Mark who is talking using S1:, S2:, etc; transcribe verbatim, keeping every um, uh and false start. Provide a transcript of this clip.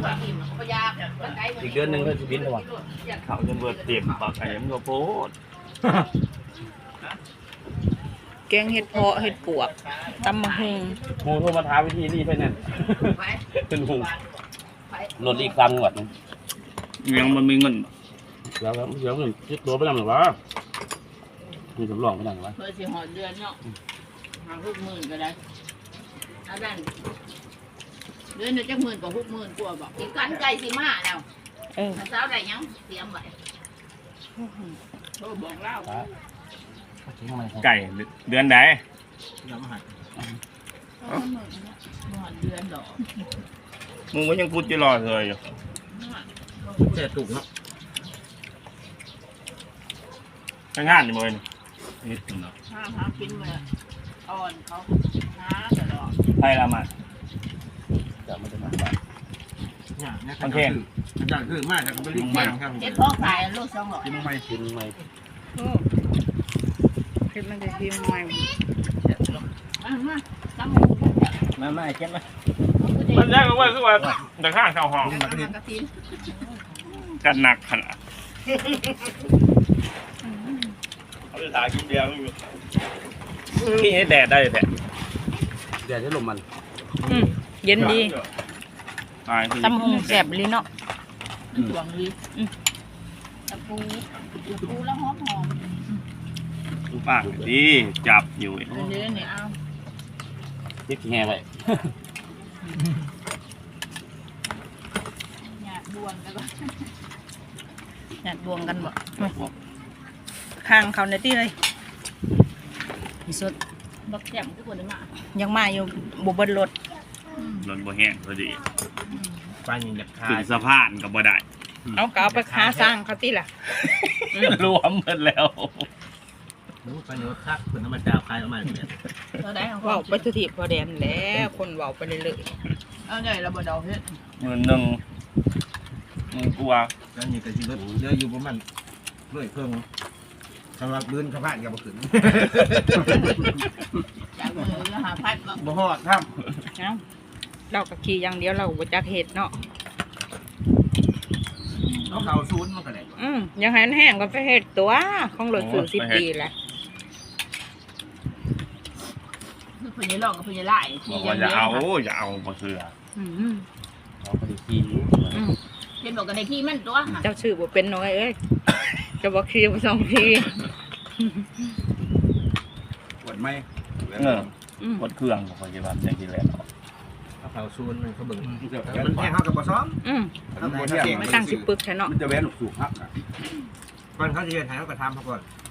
S1: อีกเดือนหนึ่งก็จะบินแล้ววะ
S2: เขาจะเบิดเต็มปากไอ้มันก็โพด
S3: แกงเห็ดเพาะเห็ดปวกตำมะฮุง
S1: หมูโทรมาท้าวิธีรีบไปนั่นเป็นหูรถอีกครั้งหมด
S2: ยังมันมีเงิน
S1: เดี๋ยวเดี๋ยวเงินคิดตัวไปนั่นหรือวะมีสำรองไปนั่นหรือวะ
S4: เพื่อสิหอดเดือนเนาะหาหกหมื่นก็ได้เอาด้านเดือนหนึ่งจักหมื่นกว่าหกหมื่นกว่าบอกอีกกันไก่สิมาแล้ว
S3: เออ
S4: เช้าได้ยังเตรียมไว้โทรบอกเล่า
S2: ไก่เดือนใด
S4: หอดเดือนดอก
S2: มึงก็ยังพูดจะรอเลยอยู่
S1: แค่ถูกเนาะ
S2: ทำงานอยู่มั้ยนี่เนาะ
S4: ห้าหากินมาอ่อนเขาหาตลอด
S2: ไปละมา
S1: จะไม่ได้มา
S2: โอเค
S1: อาจารย์คือมากครับไม่รีบมาครับ
S4: เจ็ดพ่อขายลูกสองร้อย
S1: กินไม่กินไม่
S3: โอ้เห็ดมันจะพิมพ์ใหม่
S4: มามาตั้งหมู
S1: มาไม่เจ็บไหม
S2: มันแรกก็ว่าคือว่าแต่ข้างชาวห้อง
S4: กระทินกระทิน
S2: กันหนักขนาดเขาจะถ่ายกินเดียวอยู่ที่ให้แดดได้แท้
S1: เดี๋ยวจะลมมัน
S3: อืมเย็นดี
S2: ตายคือ
S3: ตำมะฮุงแซ่บเลยเนาะ
S4: หวงดีตะปูตะปูแล้วหอมหอม
S2: ผู้ปากดีจับอยู่
S4: อันนี้เนี่ยเอา
S1: ยิบแง่ไป
S4: หยาดบวงกันก่อน
S3: อยากบวงกันบ่ข้างเขาในที่เลยที่สุด
S4: บักแจ่มทุกคนได้มา
S3: ยังมาอยู่บุบเบิลรถ
S2: รถบ่แห้งพอดี
S1: ปลาอย่างเด็ดขา
S2: ขึ้
S1: ด
S2: นสะพานก็บ่ได้
S3: เอาก็เอาไปค้าสร้างเขาที่ล่ะ
S2: รวมหมดแล้ว
S1: นู้ปลาเนื้อคักเป็นธรรมดาคลายออกมาเนี่ย
S4: เราได้ของ
S3: เว้าไปสุทีพอแดนแล้วคนเว้าไปเรื่อย
S4: เอาใหญ่เราบ่เดาเฮ็ด
S2: หมื่นหนึ่งมึงกลัว
S5: แล้วนี่ก็สิรถเรืออยู่ประมาณร้อยเพิ่งสำหรับบืนสะพานกับบ่ขึ้น
S4: จากมือแล้วหาพัดบ่
S5: บ่ฮอดครับ
S3: ๆเอ้าเราก็ขี่อย่างเดียวเราบ่จักเฮ็ดเนาะ
S5: เอาเข้าศูนย์มันก็ได้
S3: อืมยังให้มันแห้งก็ไปเฮ็ดตัวของรถสู่สิบปีแหละ
S4: คือเพิ่นจะลองกับเพิ่นจะไล่
S2: บ
S4: ที่
S2: อก
S4: ยั
S2: ว่าง อย่า
S4: เดียว
S2: เอาอย่าเอาบ่เสือ
S3: อืม
S1: เราไปกิน
S3: อืม
S4: เห็นบอกกันในที่มันตัว
S3: เจ้าชื่อบ่เป็นน้อยเอ้ยจะบอกขี่บ่สองที
S5: ปวดไหม
S2: เออ
S3: อืม
S2: หมดเครื่องของคนที่ว่าอย่างที่แล้ว
S5: เอาเข้าศูนย์มันเขาเบิ่ง
S1: เดี๋ยว
S5: มันแพงเฮากับบ่ซ้อม
S3: อืม
S5: เอาบ่เที่ยง
S3: ไม่ตั้งสิปึกแท้เนาะ
S1: มันจะแว้นสูงฮักอ่ะ
S5: ก่อนเขาสิเฮ็ดให้เฮาก็ทำเขาก่อน